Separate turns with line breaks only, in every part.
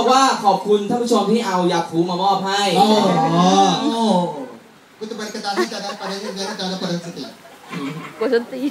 บอกว่าขอบคุณท่านผู้ชมที่เอายาคูมามอบให้
กูจะไปกระจายให้จะได้ไปได้ยังไงก็จะได้ประเด็นสติ
กูสติ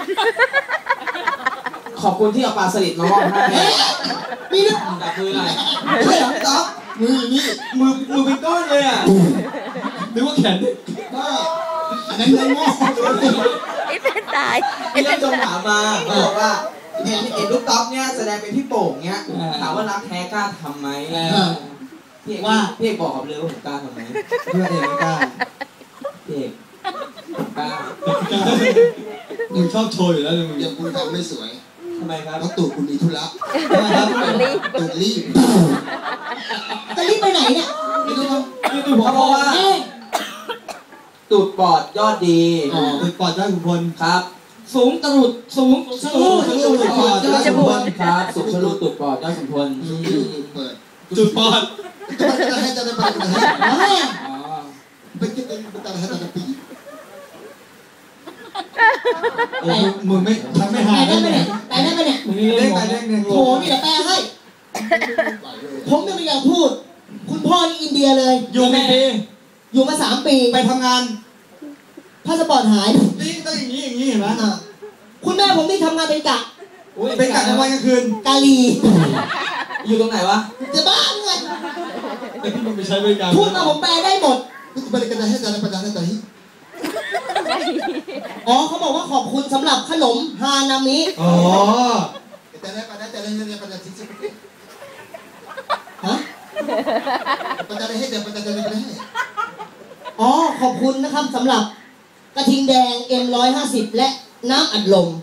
ขอบคุณที่เอาปลาสลิดมามอบให้
มีนะ
แต่คืออะไร
ไม่หรอกต๊อบมือนี่
มือเป็นก้อนเลยอ่ะนึกว่าแขน
อันนั้นเงินงอก
ไอ้เป็นตาย
พี่ยังจงถามมาบอกว่าเห็นลูกต๊อบเนี่ยแสดงเป็นพี่โป่งเนี่ยถามว่ารักแท้กล้าทำไหมพี่เอกบอกกับเลยว่าผมกล้าทำไหม
เพื่อนเองไม่กล้า
พี่เอกกล้า
มึงชอบโชว์อยู่แล้วมึงยังคุณทำไม่สวย
ทำไมครับ
เพราะตูดคุณมีธุระตูดรีบ
จะรีบไปไหนเนี่ย
ไม่รู้ครับ
เพราะว่าตูดปอดยอดดี
ตูดปอดยอดขุนพล
ครับสูงตรุดสูง
ทะลุตูดปอดยอดขุนพล
ครับสูงทะลุตูดปอดยอดขุนพล
เปิดตูดปอดจะให้จะได้ไปไหนไปกินเป็นตาให้ตาปีมึงไม่ทำไม่หาย
ได้ไหมเนี่ยไปได้ไหมเนี่ย
เด้งไปเด้งเนี่ย
โหนี่เดี๋ยวแปลให้ผมจะไม่อยากพูดคุณพ่อนี่อินเดียเลย
อยู่กี่ปี
อยู่มา3 ปี
ไปทำงาน
พาสปอร์ตหาย
นี่ต้องอย่างนี้เห็นไหม
คุณแม่ผมที่ทำงานเป็นกะ
เป็นกะกลางวันกลางคืน
กาลี
อยู่ตรงไหนวะ
จะบ้าเงิน
แต่พี่มันไปใช้บริการ
พูดมาผมแปลได้หมด
บริการให้แต่ละประจานให้แต่ที่
อ๋อเขาบอกว่าขอบคุณสำหรับขนมฮานามิ
อ๋อแต่ละประจานแต่ละเนี่ยประจานที่สุด
ฮะ
ประจานให้แต่ประจานแต่ละให้
อ๋อขอบคุณนะครับสำหรับกระทิงแดง M150 และน้ำอัดลม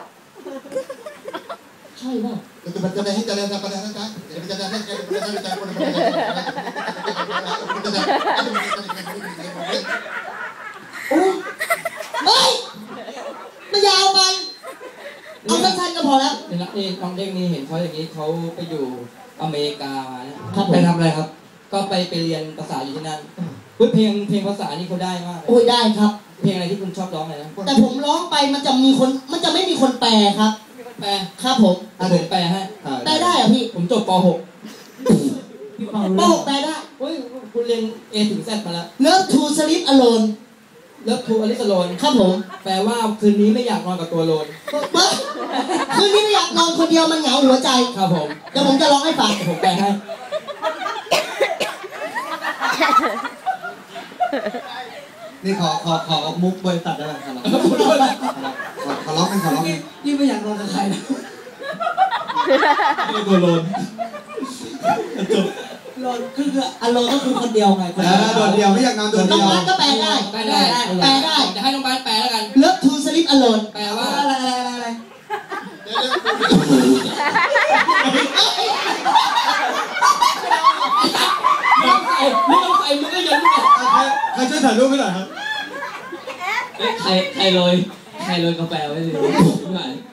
ใช่ป่ะ
ประจานให้แต่ละประจานนะประจานให้ประจานให้แต่ละคน
โอ้ยเฮ้ยมันยาวไปเอาสั้นๆก็พอแล้ว
นี่น้องเด็กนี่เห็นเขาอย่างนี้เขาไปอยู่อเมริกามาเนี่ย
ไปทำอะไรครับ
ก็ไปเรียนภาษาอยู่ที่นั่นเพลงภาษานี่เขาได้มาก
โอ้ยได้ครับ
เพลงอะไรที่คุณชอบร้องเลยนะ
แต่ผมร้องไปมันจะไม่มีคนแปลครับ
แปล
ครับผม
แปลให้
แปลได้เหรอพี่
ผมจบป .6
ป .6 แปลได้
เฮ้ยคุณเรียน A ถึง Z มาแล้ว
Love to sleep alone
Love to Alice Alone
ครับผม
แปลว่าคืนนี้ไม่อยากนอนกับตัวโลน
คืนนี้ไม่อยากนอนคนเดียวมันเหงาหัวใจ
ครับผม
เดี๋ยวผมจะร้องให้ฟัง
ผมแปลให้
นี่ขอมุกบริษัทได้ไหมครับขอร้อง
นี่ไม่อยากนอนกับใครนะ
ตัวโลน
จบโลนคืออโลนก็คือคนเดียวไง
โดดเดียวไม่อยากนอนโดดเดียว
น้องบ้านก็แปลได้
จะให้น้องบ้านแปลแล้วกัน
Love to sleep alone
แปลว่า
อะไร
น้องใส่มือได้ยังไง
ใครช่วยถ่ายรูปให้หน่อยครับ
ใครโรยกาแฟไว้เลย